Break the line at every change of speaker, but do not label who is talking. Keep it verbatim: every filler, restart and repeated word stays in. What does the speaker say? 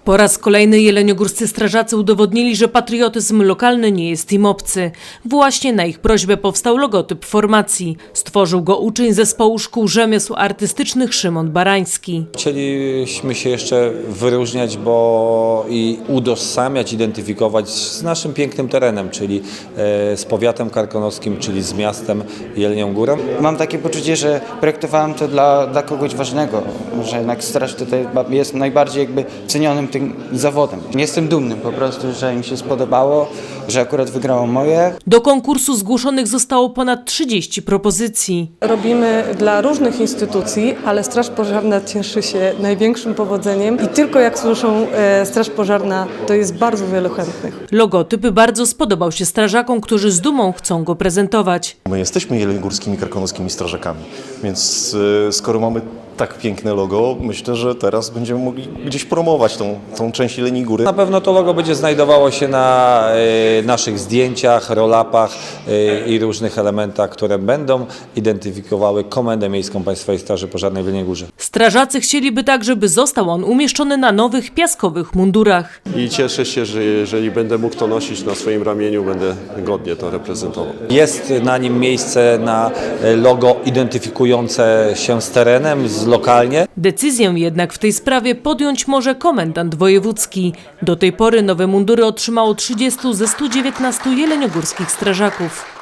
Po raz kolejny jeleniogórscy strażacy udowodnili, że patriotyzm lokalny nie jest im obcy. Właśnie na ich prośbę powstał logotyp formacji. Stworzył go uczeń zespołu szkół rzemiosł artystycznych Szymon Barański.
Chcieliśmy się jeszcze wyróżniać, bo i utożsamiać, identyfikować z naszym pięknym terenem, czyli z powiatem karkonoszkim, czyli z miastem Jelenią Górą.
Mam takie poczucie, że projektowałem to dla, dla kogoś ważnego, że jednak straż tutaj jest najbardziej jakby cenionym tym zawodem. Jestem dumny po prostu, że im się spodobało, że akurat wygrało moje.
Do konkursu zgłoszonych zostało ponad trzydzieści propozycji.
Robimy dla różnych instytucji, ale Straż Pożarna cieszy się największym powodzeniem i tylko jak słyszą e, Straż Pożarna, to jest bardzo wielu chętnych.
Logotyp bardzo spodobał się strażakom, którzy z dumą chcą go prezentować.
My jesteśmy jeleniogórskimi karkonoskimi strażakami, więc y, skoro mamy tak piękne logo, myślę, że teraz będziemy mogli gdzieś promować tą, tą część Jeleniej Góry.
Na pewno to logo będzie znajdowało się na y, naszych zdjęciach, roll-upach y, i różnych elementach, które będą identyfikowały Komendę Miejską Państwowej Straży Pożarnej w Jeleniej Górze.
Strażacy chcieliby także, by został on umieszczony na nowych piaskowych mundurach.
I cieszę się, że jeżeli będę mógł to nosić na swoim ramieniu, będę godnie to reprezentował.
Jest na nim miejsce na logo identyfikujące się z terenem, z lokalnie.
Decyzję jednak w tej sprawie podjąć może komendant wojewódzki. Do tej pory nowe mundury otrzymało trzydziestu ze stu dziewiętnastu jeleniogórskich strażaków.